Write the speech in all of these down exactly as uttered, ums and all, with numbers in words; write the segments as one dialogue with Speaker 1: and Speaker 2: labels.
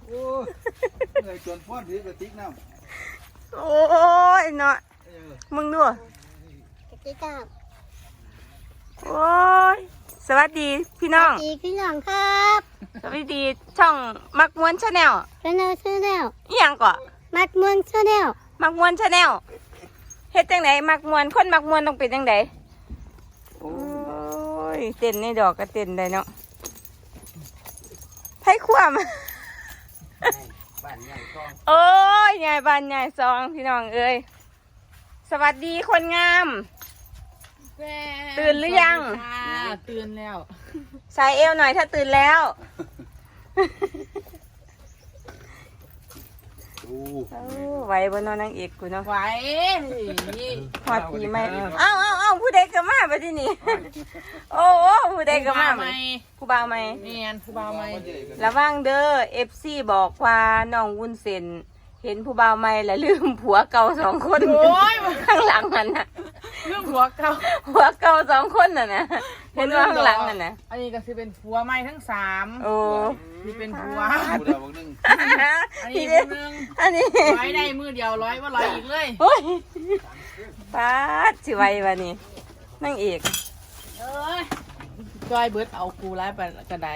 Speaker 1: โอ้ยจนพ่อถือกระติกน้
Speaker 2: ำโอ้ยเนาะมึงดู
Speaker 3: กระติกน้
Speaker 2: ำโอ้ยสวัสดีพี่น้อง
Speaker 3: ำดีพี่น้องครับ
Speaker 2: สวัสดีช่องมักมวนชาแนล
Speaker 3: ชาแนลชาแนล
Speaker 2: อีหยังก่อ
Speaker 3: มัดมวนชาแนล
Speaker 2: มักมวนชาแนลเฮ็ดจังไดมักมวนคนมักมวนต้องเป็นจังไดโอ้ยเต้นในดอกก็เต้นได้เนาะไผความโอ้ยใหญ่บ้านใหญ่ซองพี่น้องเอ้ยสวัสดีคนงามตื่นหรือยัง
Speaker 4: ตื่นแล้ว
Speaker 2: ใส่เอวหน่อยถ้าตื่นแล้วไหวบนนอนนางเอกกูเนาะ
Speaker 4: ไหว
Speaker 2: หอดปีไหมเอ้าเอ้าเอ้าผู้ใดก็มาไปที่นี่โอ้โอ้ผู้ใดก็มาไหมผู้บ่าวไหม
Speaker 4: เนียนผู้บ่าวไหม
Speaker 2: ระวังเด้อเอฟซีบอกว่าน้องวุ้นเส้นเห็นผู้บ่าวใหม่แล้วลืมผัวเก่าสองคนข้างหลังมันน่ะ
Speaker 4: ลืมผัวเก่า
Speaker 2: ผัวเก่าสองคนน่ะนะเห็นว่าข้างหลังน่ะนะ
Speaker 4: อันนี้ก็คือเป็นผัวใหม่ทั้งสาม
Speaker 2: โอ้
Speaker 4: ที่เป็นผัว
Speaker 1: ำผู้ดาวนึง
Speaker 4: อันนี้คนนึง
Speaker 2: อันนี้
Speaker 4: ร้อยได้มือเดียวร้อยว่าร้อยอีกเลย
Speaker 2: โอ้ยป้าสิไว้วะนี่นั่งเอก
Speaker 4: เอ้ยจอยเบิร์ดเอากูไล่ไปกระได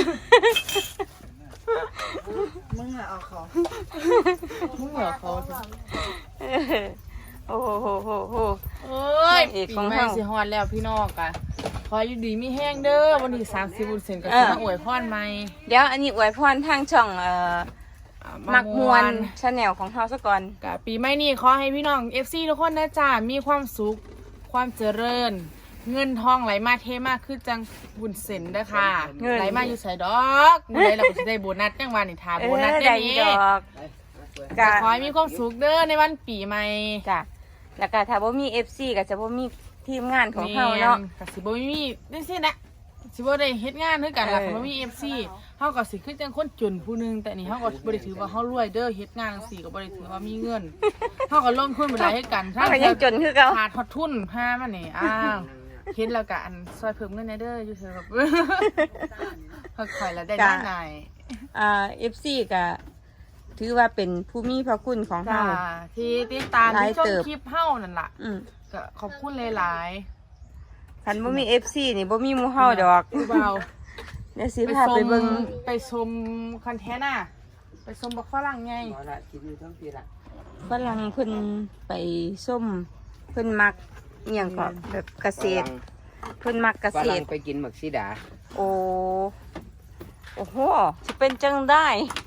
Speaker 4: มึงอะเอาเขามึงเหรอเขา
Speaker 2: โอ้โหโหโหโห
Speaker 4: เอ้ยปีใหม่สิฮอดแล้วพี่น้องกันขออยู่ดีมีแห้งเด้อวันที่สามสิบบุญเซนก็จะมาอวยพรใหม่
Speaker 2: เดี๋ยวอันนี้อวยพรทางช่องเอ่อมักมวนชาแนลของเฮาซะก่อน
Speaker 4: กับปีใหม่นี้ขอให้พี่น้อง เอฟ ซี ทุกคนนะจ้ามีความสุขความเจริญเงินทองไหลมาเทมากขึ้นจังบุญเซนเด้อค่ะไหลมาอยู่ใส่ดอกเมื่อไรเราก็จะได้โบนัสจังวันนี้ทาโบนัสได้นี้ก็ขอให้มีความสุขเด้อในวันปีใหม่
Speaker 2: จ้ะแล้วก็ถ้าบ่มี เอฟ ซี ก็จะบ่มีทีมงานของเฮาเนาะ
Speaker 4: ก็สิบ่มีจังซี่นะสิบ่ได้เฮ็ดงานคือกันล่ะถ้าบ่มี เอฟ ซี เฮาก็สิคือจังคนจนผู้นึงแต่นี่เฮาก็บ่ได้ถือว่าเฮารวยเด้อเฮ็ดงานจังซี่ก็บ่ได้ถือว่ามีเงินเฮาก็ลงทุนบ่ได้ให้กัน
Speaker 2: ถ้ายังจนคือเก่า
Speaker 4: ขาดฮอดทุนพามานี่อ้าวเฮ็ดแล้วก็อันซอยเพิ่มเงินในเด้ออยู่เถอะแบบค่อยๆแล้วได้ง่าย
Speaker 2: อ่า เอฟ ซี ก็ถือว่าเป็นผู้มีพระคุณของเฮา
Speaker 4: ที่ติดตามที่ชมคลิปเฮานั่นล่ะก็ขอบคุณหลาย
Speaker 2: ๆคันบ่มี เอฟ ซี นี่บ่มีหมู่เฮาดอก
Speaker 4: ผู้เบา
Speaker 2: เดี๋ยวสิพาไปเบิ่ง
Speaker 4: ไปชมคอนเทนต์น่ะไปชมบักฝรั่งไง
Speaker 2: ฝรั่งเพิ่นไปส้มเพิ่นมักอหย่างก็แบบเกษตรเพิ่นมักเกษตร
Speaker 5: ไปกินหมักซีดา
Speaker 2: โอ้โอ้โหสิเป็นจังได้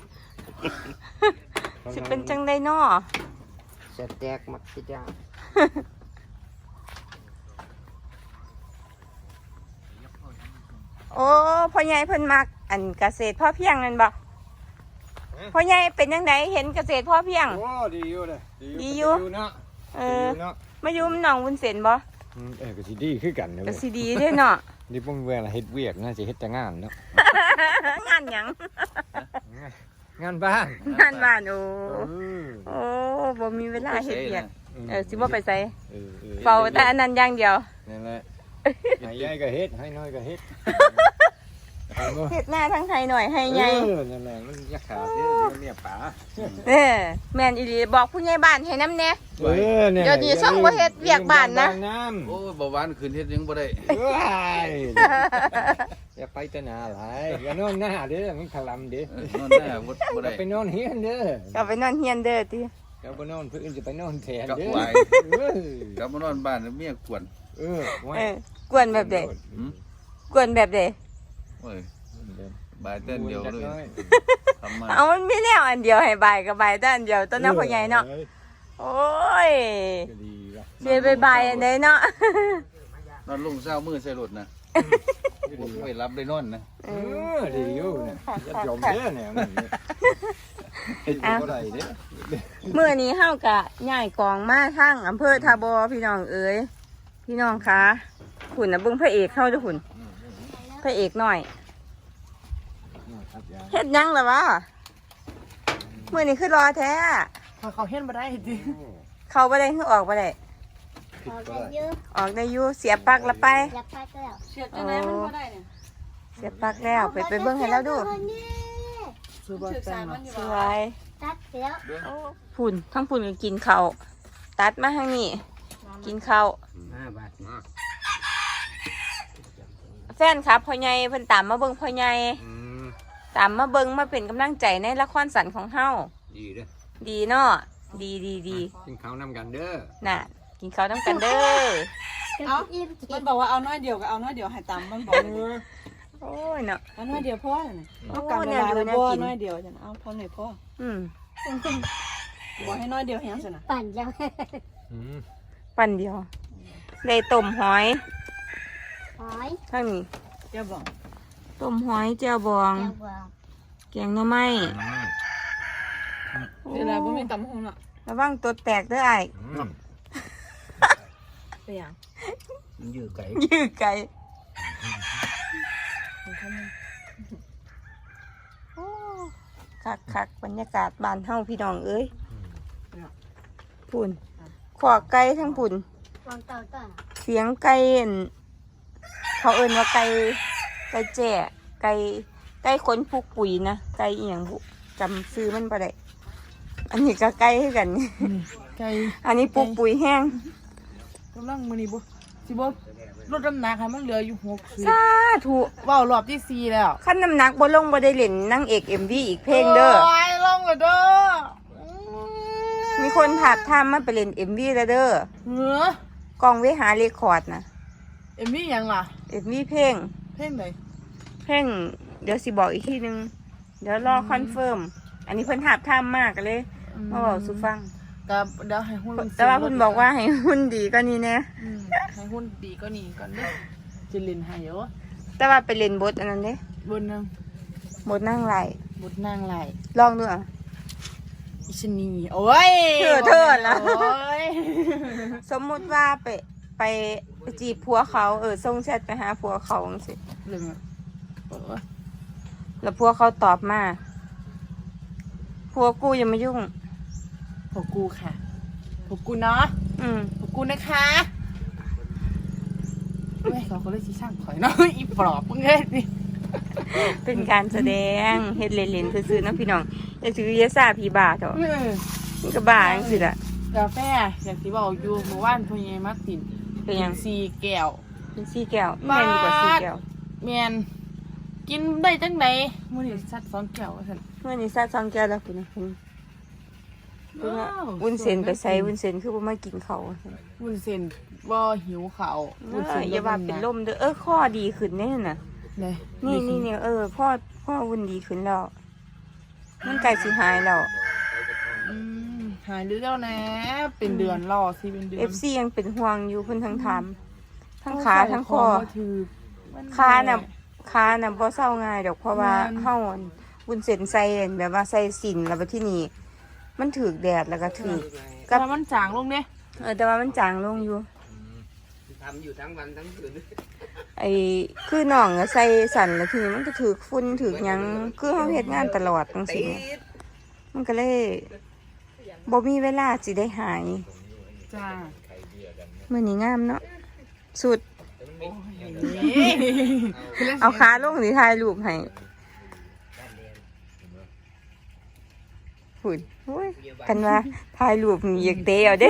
Speaker 2: สิเป็นจังได้น้อ
Speaker 5: สแต็กหมักซีดา
Speaker 2: โอ้พ่อใหญ่เพิ่นมักอันเกษตรพ่อเพียงนั่นบ่พ่อใหญ่เป็นยังไงเห็นเกษตรพ่อเพียง
Speaker 1: โอ้ดีอยู่เลย
Speaker 2: ดีอยู่
Speaker 1: เนาะ
Speaker 2: เออมายุ่มน้องวุ้นเส้นบ่
Speaker 1: เออก็สิดีคือกันเนาะ
Speaker 2: ก็สิดีเด้อเนาะ
Speaker 1: นี่พวกเวลาเฮ็ดเวียกน่าจะเฮ็ดแต่งานเนาะ
Speaker 2: งานหยัง
Speaker 1: งานบ้าน
Speaker 2: งานบ้านโอ้โอ้บ่มีเวลาเฮ็ดเวียกเออสิบ่ไปไสเฝ้าแต่อันนั้นอย่างเดียว
Speaker 1: นั่นแหละให้ใหญ่ก็เฮ็ดให้น้อยก็เฮ็ด
Speaker 2: เฮ็ดหน้าทั้งไทยหน่อยให้ใหญ่
Speaker 1: เออนั่นแหละมันอยากขาดเด้อเมียป๋า
Speaker 2: เออแม่นอีหลีบอกผู้ใหญ่บ้านให้นำแน่เออเดี๋ยวนี้ส่งบ่เฮ็ดเวียกบ้านนะ
Speaker 1: โอ้บ่หวานขึ้นเฮ็ดยังบ่ได้อย่าไปแต่หน้าหลายอย่านอนหน้าเด้อมันถลำเด้อนอนหน้าบ่ได้ไปนอนเฮียนเด้อ
Speaker 2: ก็ไปนอนเฮียนเด้อติ
Speaker 1: ก็บ่นอนเพิ่นจะไปนอนแทนเด้อกับบ่นอนบ้านเมียกวนเอ
Speaker 2: อกวนแบบใดกวนแบบใด
Speaker 1: โอ้ยบายแต่เดียวเลย
Speaker 2: เอามันมีแนวอันเดียวให้บายกับบายแต่อันเดียวต้นน้ำพ่อใหญ่เนาะโอ้ยเสียไปบายอันใดเนาะ
Speaker 1: นอนลงเช้ามือใส่รถนะไปรับได้นอนนะเออดีอยู่เนี่ยยัดยมเด้อเนี่ยเฮ็ดบ่ได้เด้อ
Speaker 2: มื้อนี้เฮากะย้ายกองมาทางอำเภอทาบอพี่น้องเอ๋ยพี่น้องคะคุณน่ะเบิ่งพระเอกเฮาเด้อคุณพระเอกหน่อยเฮ็ดยังล่ะวะมื้อนี้คือรอแท้
Speaker 4: เขาเฮ็ดบ่ได้จริง
Speaker 2: เข้าบ่ได้คือออกบ่ได้
Speaker 3: ออกได้อยู่
Speaker 2: ออกได้อยู่เสียบปลั๊กละไป
Speaker 3: เสียบปลั๊กแล้ว
Speaker 4: เสียบจังได๋มันบ่ได้เนี่ย
Speaker 2: เสียบปลั๊กแล้วไปไปเบิ่งให้แล้วดู
Speaker 4: ซื้อบ่แป้ง
Speaker 2: สวย
Speaker 3: ตัดแล้ว
Speaker 2: โอ้พุ่นทั้งพุ่นก็กินข้าวตัดมาทางนี้กินข้าว
Speaker 5: ห้าบาทนะ
Speaker 2: แฟนครับพ่อใหญ่เพิ่นตามมาเบิ่งพ่อใหญ่
Speaker 5: อืม
Speaker 2: ตามมาเบิ่งมาเป็นกำลังใจในละครสันของเฮา
Speaker 5: ดีเด้อ
Speaker 2: ดีเนาะดีดีดี
Speaker 5: กินข้าวนำกันเด้อ
Speaker 2: น่ะกินข้าวต้องกันเด้อ
Speaker 3: เอ้าอิ่ม
Speaker 6: มันบอกว่าเอาน้อยเดียวก็เอาน้อยเดียวให้ตามมันบอก
Speaker 2: โอ้ยเนาะ
Speaker 6: เอาน้อยเดียวพ่อน่ะ
Speaker 2: โอ้
Speaker 6: เอากันเว
Speaker 2: เนี่ย
Speaker 6: ลา
Speaker 2: ดู
Speaker 6: แล้ว
Speaker 2: น่า
Speaker 6: บ่
Speaker 2: กิน
Speaker 6: น้อยเดียวจังเอาพอหน่อยพ่อ
Speaker 2: อืม
Speaker 6: บอกให้น้อยเดียวให้ยังซั่นน่ะ
Speaker 3: ปั่นยัง
Speaker 5: อืม
Speaker 2: ปั่นเดียวได้ต้มหอย
Speaker 3: หอย
Speaker 2: ทางนี้
Speaker 6: เจ้าบอก
Speaker 2: ต้มหอยแจ่วบอง
Speaker 3: เจ้าบอก
Speaker 2: แกงหน่อไม้
Speaker 6: เวลาบ่มีตำหงน่ะ
Speaker 2: ระวังตัวแตกเด้อไอ้าย
Speaker 5: อืม
Speaker 6: เป็นหยัง
Speaker 5: มันยืดไก่
Speaker 2: ยื้อไก่โอ้คักคักบรรยากาศบ้านเฮาพี่น้องเอ้ยพุ่นขอไก่ทั้งพุ่น
Speaker 3: วางเต่าต้น
Speaker 2: เสียงไก่อั่นเขาเอิ้นว่าไก่ไก่แจ้ไก่ไก่ขนผูกปุ๋ยนะไก่อีหยังบุจำซื้อมันบ่ได้อันนี้ก็ไก่คือกัน
Speaker 4: ไก่
Speaker 2: อันนี้ปลูกปุ๋ยแห้ง
Speaker 4: กำลังมื้อนี้บ่สิบ่ลดน้ำหนักให้มันเหลืออยู่หกสิบ
Speaker 2: สาธุ
Speaker 4: เว้ารอบที่สี่แล้ว
Speaker 2: ขั้นน้ำหนักบ่ลงบ่ได้เล่นนางเอก เอ็ม วี อีกเพลงเด้อ
Speaker 4: โอ้ยลงเลยเด้อ
Speaker 2: มีคนถามทามมาไปเล่น เอ็ม วี แล้วเด้อ
Speaker 4: เหนือก
Speaker 2: องเวหาเรคคอร์ดนะ
Speaker 4: เอ็มมี่ยังล่ะ
Speaker 2: เอ็ม วี เพลง
Speaker 4: เพลงไหน
Speaker 2: เพลงเดี๋ยวสิบอกอีกทีนึง เดี๋ยวรอคอนเฟิร์ม อันนี้เพิ่นถามทามมากเลยมาบอกสุฟัง
Speaker 4: กับเดี๋ยวให้หุ้น
Speaker 2: แต่ว่าเพิ่นบอกว่าให้หุ่นดีก็นี่แน่
Speaker 4: อืมให้หุ้นดีก็นี่ก่อนเด้อจะเล่นให้เยอะ
Speaker 2: แต่ว่าไปเล่นบทอันนั้นเด้
Speaker 4: บนนึง
Speaker 2: บทนั่งไหล
Speaker 4: บทนางไหล
Speaker 2: ลองดูอ่ะ
Speaker 4: อิชนีโอ้ย
Speaker 2: เธอเธอนะ
Speaker 4: โอ้ย
Speaker 2: สมมุติว่าไปไปจีบผัวเขาเออส่งแชทไปหาผัวเขาจังซี่
Speaker 4: เรื่องอะโอ้ย
Speaker 2: แล้วผัวเขาตอบมาผัวกูอย่ามายุ่ง
Speaker 4: พวกกูค่ะพวกกูเนาะ
Speaker 2: อืม
Speaker 4: พวกกูนะคะเฮ้ยเขาก็เลยชี้ช่างถอยเนาะ อีปลอบมึงเอ้ยนี่
Speaker 2: เป็นการแสดงเฮ็ดเล่นๆซื่อๆเนาะพี่น้องอย่าถือยาซาพี่บาเถอะ
Speaker 4: เออ
Speaker 2: มันก็บ้าจังซี่ล่ะ
Speaker 4: กาแฟอย่างที่บอกอยู่เมื่อวานพ่อใหญ่มาติน
Speaker 2: เป็นหยัง
Speaker 4: สี่แก้ว
Speaker 2: เป็นสี่แก้วแม่นดีกว่าสี่แก้ว
Speaker 4: แมนกินได้จังไดมื้อนี้ซัดสองแก้วว่าซั่น
Speaker 2: เมื่อนี้ซาสองแก้วแล้วคุณนะคุณคุณว่าวุ้นเส้นไปใส่วุ้นเส้นคือบ่มากินเขาวว่าซั่น
Speaker 4: วุ้นเส้นบ่หิวข้าว
Speaker 2: เอ
Speaker 4: วุ้น
Speaker 2: อ
Speaker 4: เส้น
Speaker 2: อย่าว่าเป็นลมเด้อเออข้อดีขึ้นแน่น่ะ
Speaker 4: เลย
Speaker 2: นี่นี่นี่เออพ่อพ่อวุ้นดีขึ้นแล้ว มันใกล้สิหายแล้ว
Speaker 4: อืมหายเรื่องแล้วนะเป็นเดือนรอสิเป็นเดือน
Speaker 2: เอฟ ซี ยังเป็นห่วงอยู่เพิ่นทั้งถามทั้งขาทั้งคอ
Speaker 4: ถือ
Speaker 2: ขาน่ะขาน่ะบ่เศร้าง่ายดอกเพราะว่า
Speaker 4: แม่น
Speaker 2: เฮาอั่นวุ้นเส้นใส่อั่นแบบว่าใส่สินแล้วบัดที่นี่มันถูกแดดแล้วก็ถูก
Speaker 4: กับมันจางลงเนี่ย
Speaker 2: เออแต่ว่ามันจางลงอยู่
Speaker 5: ทำอยู่ทั้งวันทั้งคืน
Speaker 2: ไอ้คือน้องอะใส่สั่นแล้วทีนี้มันก็ถูกฝุ่นถูกหยังคือเฮาเฮ็ดงานตลอดจังซี่แหมมันก็เลยบ่มีเวลาสิได้หาย
Speaker 4: จ้า
Speaker 2: มื้อนี้งามเนาะสุด
Speaker 4: นี่
Speaker 2: เอาขาลงสิถ่ายรูปให้ฝุ่นโอ้ยกันว่าถ่ายรูปนี่อยากเตะเอาเด้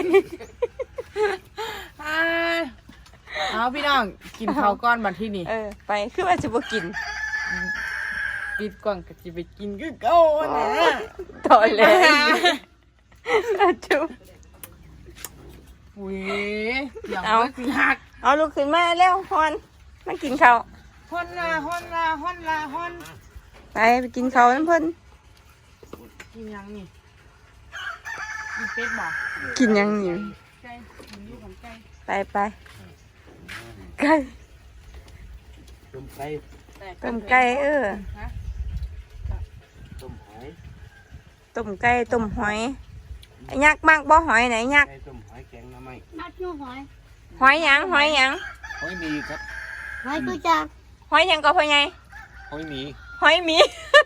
Speaker 4: อ่าเอาพี่น้องกินข้าวก้อนบัดที่นี่
Speaker 2: เออไปคือว่าจะบ่กิน
Speaker 4: ปิดกล่องก็จะไปกินก็เก้านะ
Speaker 2: ตอนเลยอาจุบ
Speaker 4: อุ้ยอย่าง
Speaker 2: เอา
Speaker 4: ว่าสิหัก
Speaker 2: เอาลูกขึ้นมาแล้วฮอนมากินข้าว
Speaker 4: ฮอนลาฮอนลาฮอนลาฮอน
Speaker 2: ไปไปกินข้าวน้ำเพิ่น
Speaker 4: กินยังนี่กินเป็ดบ่
Speaker 2: กินหยังนี่
Speaker 4: ไก่กินอยู่ของไก่
Speaker 2: ไปไปไก่
Speaker 5: ต้มไก่
Speaker 2: ต้มไก่เออ
Speaker 4: ฮะ
Speaker 5: ต้มหอย
Speaker 2: ต้มไก่ต้มหอยไอ้ยักษ์มากบ่หอยไหนยักษ์
Speaker 5: ไก่ต้มหอยแกงหน้ำไม้
Speaker 3: นัดยูหอย
Speaker 2: หอยหยังหอยหยัง
Speaker 5: หอยหมีครับ
Speaker 3: หอยกูจัก
Speaker 2: หอยหยังก็พ่อใหญ่
Speaker 5: หอยหมี
Speaker 2: หอยหมี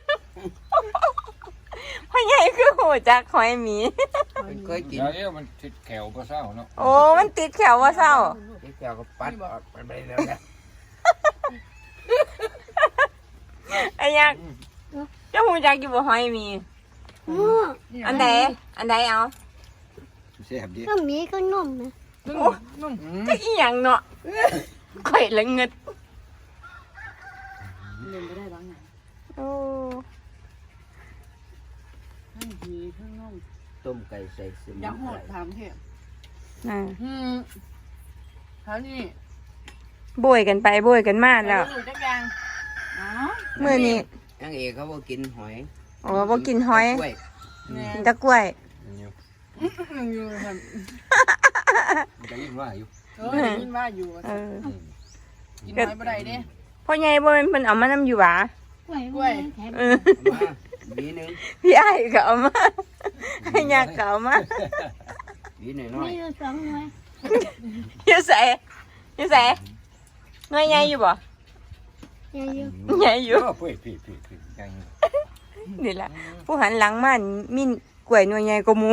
Speaker 2: พ่อใหญ่คือโหจักหอยหมี
Speaker 5: เป็นเคยกิน
Speaker 1: เดี๋ยวมันติดแขวก็เศร้าเนาะ
Speaker 2: โอ้มันติดแขวว่าเศร้า
Speaker 5: ที่แก้วก็ปัดออกไปแล้วเนี่ย
Speaker 2: ไอ้ยักษ์จจะหูจักอยู่บ่หอยมี
Speaker 3: หมู
Speaker 2: อันใดอันใดเอา
Speaker 1: แซ่บดิ
Speaker 3: ก็มีก็นุ่มนะ
Speaker 4: นุ่มนุ่ม
Speaker 2: จะอีหยังเนาะข่อยละเงิด
Speaker 6: เล่นไม่ได้บ้างไง
Speaker 2: โอ้
Speaker 6: ทั้งดีทั้งนุ่ม
Speaker 5: ต้มไก่ใส่สมุน
Speaker 6: อยังโห
Speaker 5: ไพ
Speaker 6: ด
Speaker 5: ร
Speaker 6: ถามเถอะ
Speaker 2: น่ะ
Speaker 4: อืมเท่านี้
Speaker 2: โบยกันไปโบยกันมาแล้ว
Speaker 4: หนูจักอย่าง
Speaker 6: อ๋อ
Speaker 2: มื้อนี้
Speaker 5: นางเอกเขาบอกกินหอย
Speaker 2: โอ้บ่กินหอย
Speaker 5: กล้วย
Speaker 4: เนี่ย
Speaker 2: กินแตะกล้วย
Speaker 4: อยู่ครับ
Speaker 1: ได้ยินว่าอยู่
Speaker 4: เออได้ยินว่าอยู่
Speaker 2: เออ
Speaker 4: กินน้อยบ่ได้เด้
Speaker 2: พ่อใหญ่บ่แม่นเพิ่นเอามานำอยู่หวาก
Speaker 3: ล้วย
Speaker 4: กล้วย
Speaker 3: แถม
Speaker 2: เออ
Speaker 5: เอามาหวีหนึง
Speaker 2: พี่อ้ายก็เอามาให้ยาก็เอามา
Speaker 5: หวีหน่อย
Speaker 3: ไม่อยู่สองหน่วย
Speaker 2: อยู่ไสอยู่ไสหน่วยใหญ่อยู่บ่
Speaker 3: อย่าอยู่
Speaker 2: ใหญ่อยู่
Speaker 1: โอ้พี่พี่พี่พี่ยัง
Speaker 2: นี่ล่ะผู้หันหลังมามีกล้วยหน่วยใหญ่กว่าหมู่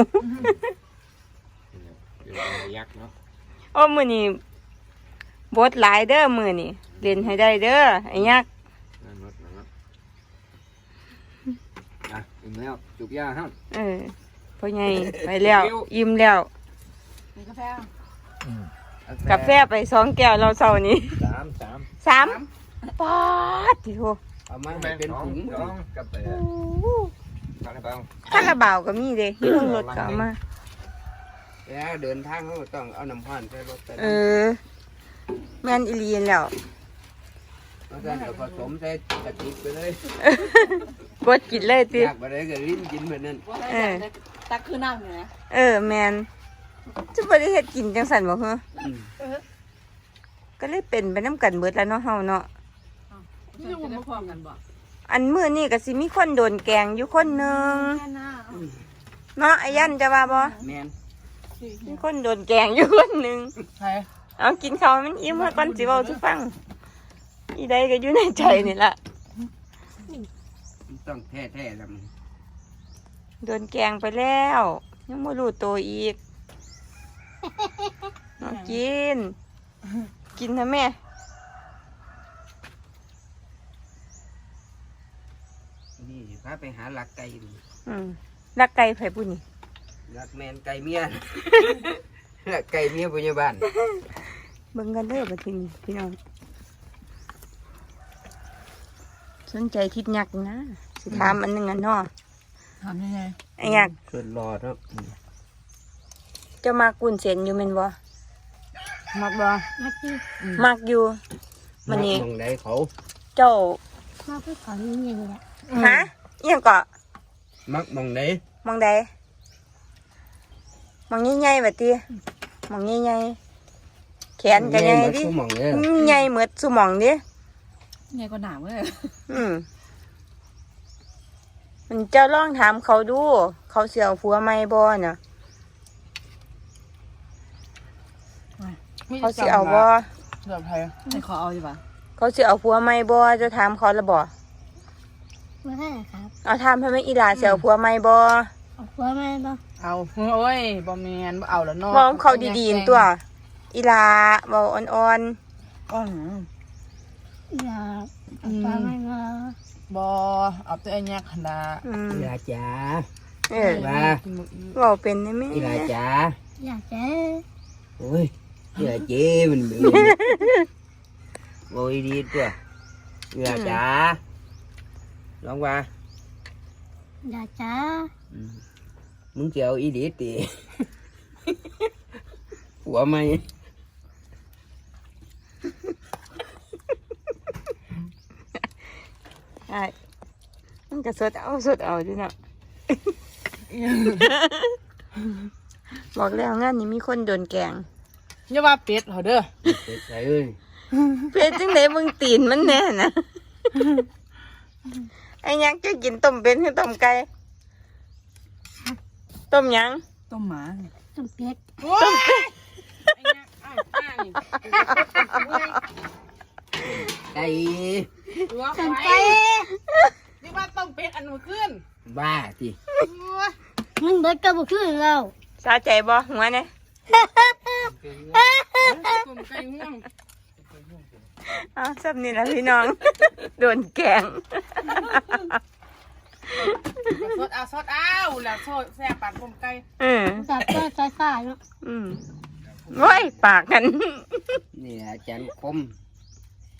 Speaker 1: เดี๋ยวยักษ์เนาะ
Speaker 2: โอ้มื้อนี้บทหลายเด้อมื้อนี้เล่นให้ได้เด้อไอ้ยักษ์
Speaker 1: นั่นรถนั่นรถอ่ะอิ่มแล้วจุกยาฮะ
Speaker 2: เออพ่อใหญ่ไปแล้วอิ่มแล้ว
Speaker 6: มีกาแฟ
Speaker 5: ๆ
Speaker 2: กาแฟไปสองแก้วเราเช้านี้
Speaker 1: สามสาม
Speaker 2: สามป๊าดติโห
Speaker 5: เอามาให้เป็นถุง
Speaker 1: สองกับไปทางไหนบ้าง
Speaker 2: คาราบาวก็มีเด้อยู่บนรถก็เอามา
Speaker 5: แล้วเดินทางเขาก็ต้องเอาน้ำพันใส่รถไป
Speaker 2: เออแม่นอีหลีนแล้ว
Speaker 5: แล้วก็เดี๋ยวผสมใส่กะทิไปเลย
Speaker 2: กดกินเลยติ
Speaker 5: อยากไปได้ก็ลิ้นกินแบบนั้น
Speaker 6: ว่าได้แต่ตักคือน้ำอยู่นะ
Speaker 2: เออแม่นจะบ่ได้เฮ็ดกินจังซั่นบ่ฮะ
Speaker 5: อืม
Speaker 2: ก็เลยเป็นไปนํกันเบิดแล้วเนาะเฮาเนาะ
Speaker 6: นี่จะมาพร้อมกันบ่
Speaker 2: อันมื้อนี้ก็สิมีคนโดนแกล้งอยู่คนหนึง
Speaker 6: แค่หน้า
Speaker 2: เนาะไอ้ยันจะว่าบ่
Speaker 5: แม่น
Speaker 2: มีคนโดนแกล้งอยู่คนหนึง
Speaker 4: ใช่
Speaker 2: เอากินข้าวให้มันอิ่มซะก่อนสิเว้าสิฟังอีใดก็อยู่ในใจนี่ล่ะ
Speaker 5: ต้องแท้ๆแล้ว
Speaker 2: โดนแกล้งไปแล้วยังบ่รู้ตัวอีกเอากิน กินนะแม่
Speaker 5: นี่สิพาไปหาหลักไก่ดู
Speaker 2: อืมรักไก่ไผผู้นี่
Speaker 5: หลักแมนไก่เมีย หลักไก่เมียพยาบาล
Speaker 2: เบิ่งกันเด้อบัดทีนี้พี่น้องสนใจทิดยักษ์นะสิถามอันหนึงอันเนาะ
Speaker 6: ถามยังไง
Speaker 2: ไอ้ยักษ์
Speaker 5: ส่วนรอครับ
Speaker 2: เจะมากุนเส้นอยู่แม่นบ่
Speaker 6: มักบ่
Speaker 3: มาจี
Speaker 2: มักอยู่มันนี่
Speaker 5: มองได้เขา
Speaker 2: เจ้า
Speaker 3: มาเพื่อขอนี่นี่แหละ
Speaker 2: ฮะอีหยังก็
Speaker 5: มักมองได้
Speaker 2: มองใดมองใหญ่ๆบัดติมองใหญ่ๆแขนก็ใหญ่ดิ
Speaker 5: มองเนี่ย
Speaker 2: ใหญ่เหมือนสุหม่องดิ
Speaker 6: ไงก็หนาวเลย
Speaker 2: อืมมันเจ้าลองถามเขาดู เขาเสียวผัวไม่บ่น่ะเขาเสียเอาบ่
Speaker 4: เดี๋ยวไทย
Speaker 6: ให้ขอเอาอยู่ป่ะ
Speaker 2: เขาเสียเอาผัวไม่บ่จะถามเขาและบ่
Speaker 3: มาให้ครับ
Speaker 2: เอาถามให้แม่อีหลาเสียเอาผัวไม่บ่
Speaker 3: เอาหัวมาบ้าง
Speaker 4: เอาโอ้ยบ่แม่นบ่เอาแล้วเนาะ
Speaker 2: บอกเขาดีๆนั่นตัว อีหลาเว้าอ่อน
Speaker 4: ก้อน
Speaker 3: อย่าเอาปลาไม่มา
Speaker 4: บ่เอาแต่อันเนี้ยขนาด
Speaker 2: ๆอืม
Speaker 5: อีลาจ๋า
Speaker 2: เออ
Speaker 5: ว่า
Speaker 4: กินหมดอีก
Speaker 2: เว้าเป็นได้แม่
Speaker 5: อีลาจ๋า
Speaker 3: อยากจะ
Speaker 5: โอ้ยอีลาเจ๊มันเป็นโอ้ยดีตัวอีลาจ๋าลองว่า
Speaker 3: อยากจะ
Speaker 5: อืมมึงจะเอาอีดีตี หัวไหม
Speaker 2: ใช่มันก็สดเอาสดเอาดิเนาะ บอกแล้วงานนี้มีคนโดนแกล้ง
Speaker 4: อย่าว่าเป็ดเหรอเด้อ
Speaker 5: เป็ดใส่เอ้ย
Speaker 2: เพชรจังไดมึงตีนมันแน่นะไอ้ยักษ์จะกินต้มเป็นหรือต้มไก่ต้มหยัง
Speaker 6: ต้มหมา
Speaker 3: ต้มเป็ด
Speaker 4: โอ้ยไอ้เนี่ยอ้าวป้านี่
Speaker 5: ไก่
Speaker 4: ตัว
Speaker 3: ต้ม
Speaker 4: ไฟ
Speaker 3: เป็ด
Speaker 4: นี่ว่าต้มเป็ดอันนู้นขึ้น
Speaker 5: บ้าสิ
Speaker 4: โอ้ย
Speaker 3: มันเบิดกระบอกขึ้นเรา
Speaker 2: สาใจบ่หัวเนี่ย
Speaker 4: ต้มไก่ง่วง
Speaker 2: อ้าวซับนี่แหละพี่น้อง โดนแกล้ง
Speaker 4: สดเอาสดเอาแล้วโซดแซ่บปากต้มไก่
Speaker 2: เออ
Speaker 3: จับก็ใส่ๆเนาะ
Speaker 2: อืมโอ้ยปากกัน
Speaker 5: นี่อาจารย์คม